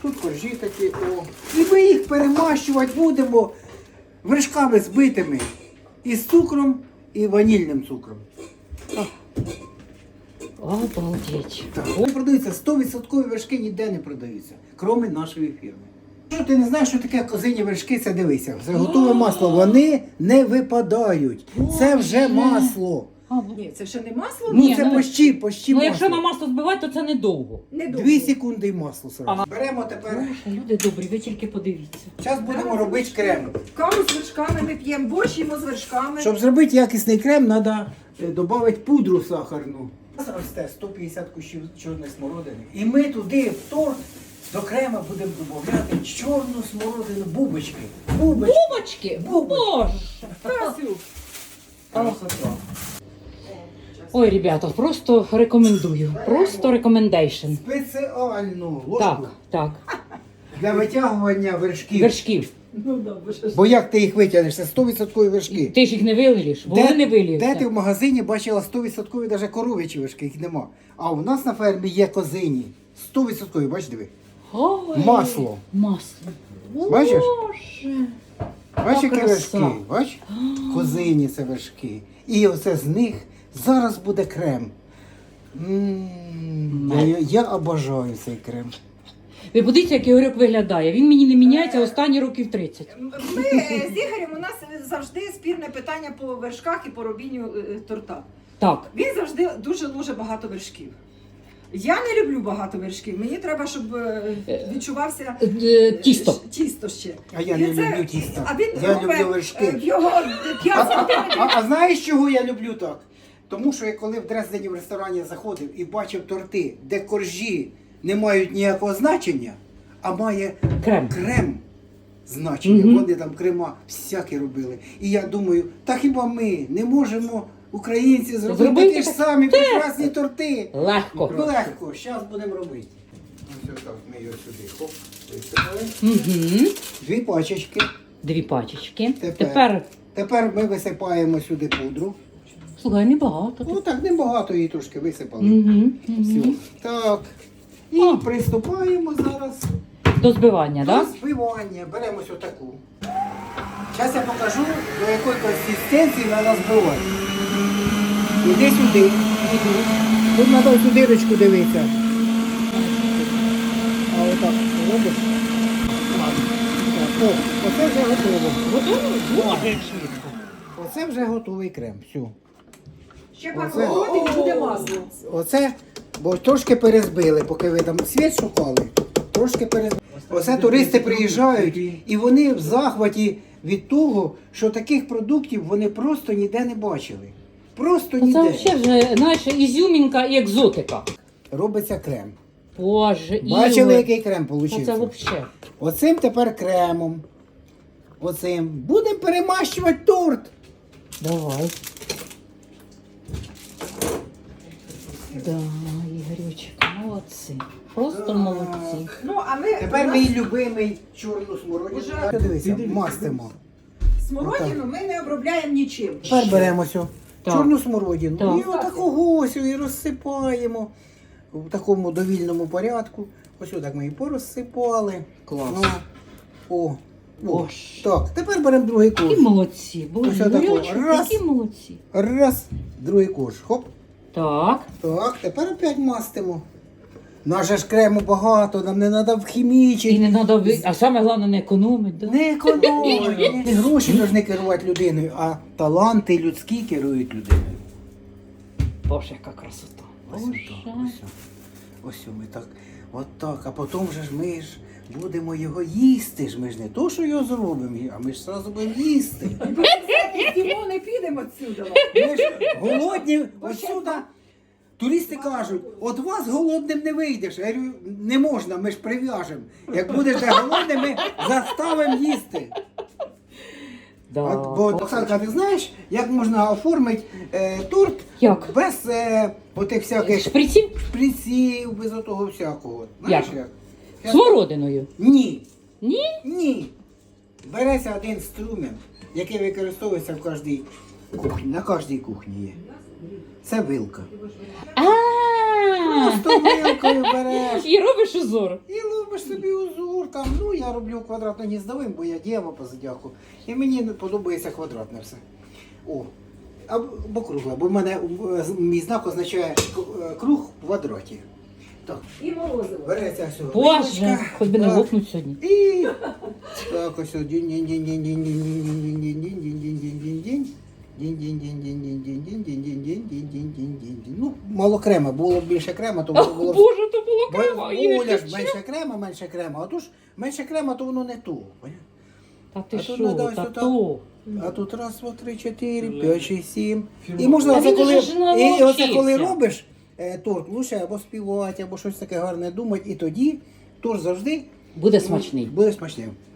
Тут коржі такі, о. І ми їх перемащувати будемо вершками збитими. Із цукром і ванільним цукром. Обалдеть. Так. Вони продаються, 100% вершки ніде не продаються, крім нашої фірми. Якщо ти не знаєш, що таке козині вершки, це дивися. Це готове масло, вони не випадають. Це вже масло. Ні, це ще не масло? Ну Ні, це ну, почти Ну, масло. якщо на масло збивати, то це недовго. 2 секунди і масло сразу. Ага. Беремо тепер. Боже, люди добрі, ви тільки подивіться. Зараз будемо робити крем. Каву з вершками ми п'ємо, борщ їмо з вершками. Щоб зробити якісний крем, треба додати пудру сахарну. У нас росте 150 кущів чорної смородини. І ми туди в торт до крема будемо додати чорну смородину, бубочки. Бубочки? Боже! Тасю. Красота. Ой, ребята, просто рекомендую. Просто рекомендейшн. Спеціальну ложку Так, так. для витягування вершків. Вершків. Ну да, бо що ж. Бо як ти їх витягнеш? Це 100% вершки. Ти ж їх не вилієш, бо вони не виліються. Де ти в магазині бачила 100% навіть коров'ячі вершки, їх нема. А у нас на фермі є козині. 100%, бач, диви. Ой, Масло. Масло. Бачиш? Боже. Бачиш, які краса. вершки? Бач? Козині це вершки. І оце з них зараз буде крем. Я обожаю цей крем. Ви подивіться, як Ігорьок виглядає. Він мені не міняється останні років 30. Ми з Ігорем, у нас завжди спірне питання по вершках і по робінню торта. Так. Він завжди дуже багато вершків. Я не люблю багато вершків. Мені треба, щоб відчувався Тісто. тісто ще. А я І не це- люблю тісто. А він Я робить, люблю вершки. в його 5 сантиметрів. А знаєш, чого я люблю так? Тому що я коли в Дрездені в ресторані заходив і бачив торти, де коржі не мають ніякого значення, а має Крем. крем значення. Мгм. Вони там крема всякі робили. І я думаю, та хіба ми не можемо, українці, зробити Зробити такі ж так? самі прекрасні торти? Легко. Легко, зараз будемо робити. Ось так, ми його сюди, хоп, висипали. Угу. 2 пачечки. 2 пачечки. Тепер. Тепер ми висипаємо сюди пудру. Слухай, небагато. Ну так, небагато її трошки висипали. Угу. Все. Так. І О. приступаємо зараз До збивання, до так? збивання. Беремо ось отаку. Зараз я покажу, до якої консистенції треба збивати. Іди сюди. Тут треба цю дирочку дивитися. А отак робиш. Так, о, оце вже готово. Готово? Боже, як швидко. Оце вже готовий крем. Все. Ще пару Оце. років і буде масло. Оце, бо трошки перезбили, поки ви там світ шукали, трошки перезбили. Оце туристи приїжджають і вони в захваті від того, що таких продуктів вони просто ніде не бачили. Просто Це ніде. взагалі вже, знаєш, ізюмінка і екзотика. Робиться крем. Боже, Бачили, Ігор. який крем Та вийшов? це взагалі. Оцим тепер кремом. Оцим. Будемо перемащувати торт. Давай. Да, Ігорючик, молодці. Просто молодці. Ну, а ми Тепер у нас мій любимий чорну смородину. Уже- Дивися, мастимо. смородину ми не обробляємо нічим. Тепер беремо цю Так. чорну смородину Так. і отакого ось і розсипаємо в такому довільному порядку. Ось отак ми її порозсипали. Клас. Ну, о. Боже. Так, тепер беремо другий корж. Які молодці. Боже, Ось отако. Ігорючик, Раз. які молодці. Раз, другий корж. Хоп. Так. Так, тепер опять мастимо. Нас же ж крему багато, нам не треба І вхімічити. не треба, а саме головне не економити. Да? Не економити. Не гроші повинні керувати людиною, а таланти людські керують людиною. Боже, яка красота. Ось Боже. отак, ось ми так, отак, а потім же ж ми ж будемо його їсти. Ж ми ж не то, що його зробимо, а ми ж одразу будемо їсти. Йдемо, не підемо відсюди. Ми ж голодні отсюди. Туристи кажуть, от вас голодним не вийдеш. Я говорю, не можна, ми ж прив'яжемо. Як будеш де голодним, ми заставимо їсти. Да. Бо, Оксанка, ти знаєш, як можна оформити торт Як? без отих всяких Шприців? шприців, без отого всякого. Знаєш Як? як? Смородиною. Ні. Ні? Ні. Береться один струмен, який використовується в кожній кухні. На кожній кухні є. Це вилка. А. Просто вилкою береш І робиш узор. і робиш собі узор там. Ну, я роблю квадратно-гніздовим, бо я дєва по зодіаку. І мені подобається квадратне все. О, або кругле, бо в мене мій знак означає круг в квадраті. Так, І морозиво. береться все. Боже, хоч би не Так. лопнуть сьогодні. І так ось дінь-дінь-дінь-дінь-дінь-дінь-дінь-дінь-дінь-дінь-дінь-дінь. Дінь-дінь-дінь-дінь-дінь-дінь-дінь-дінь-дінь-дінь-дінь. Ну, мало крема, було б більше крема, то воно було б... Боже, то було крема. Оля ж менше крема, а то ж менше крема, то воно не то. поняв? Та ти А тут що, надо ось та отак. то. А тут раз, два, три, чотири, п'ять, шість, сім. І можна Та оце він коли, же ж і оце коли навчився. робиш торт, лучше або співати, або щось таке гарне думати, і тоді торт завжди Буде смачний. буде смачним.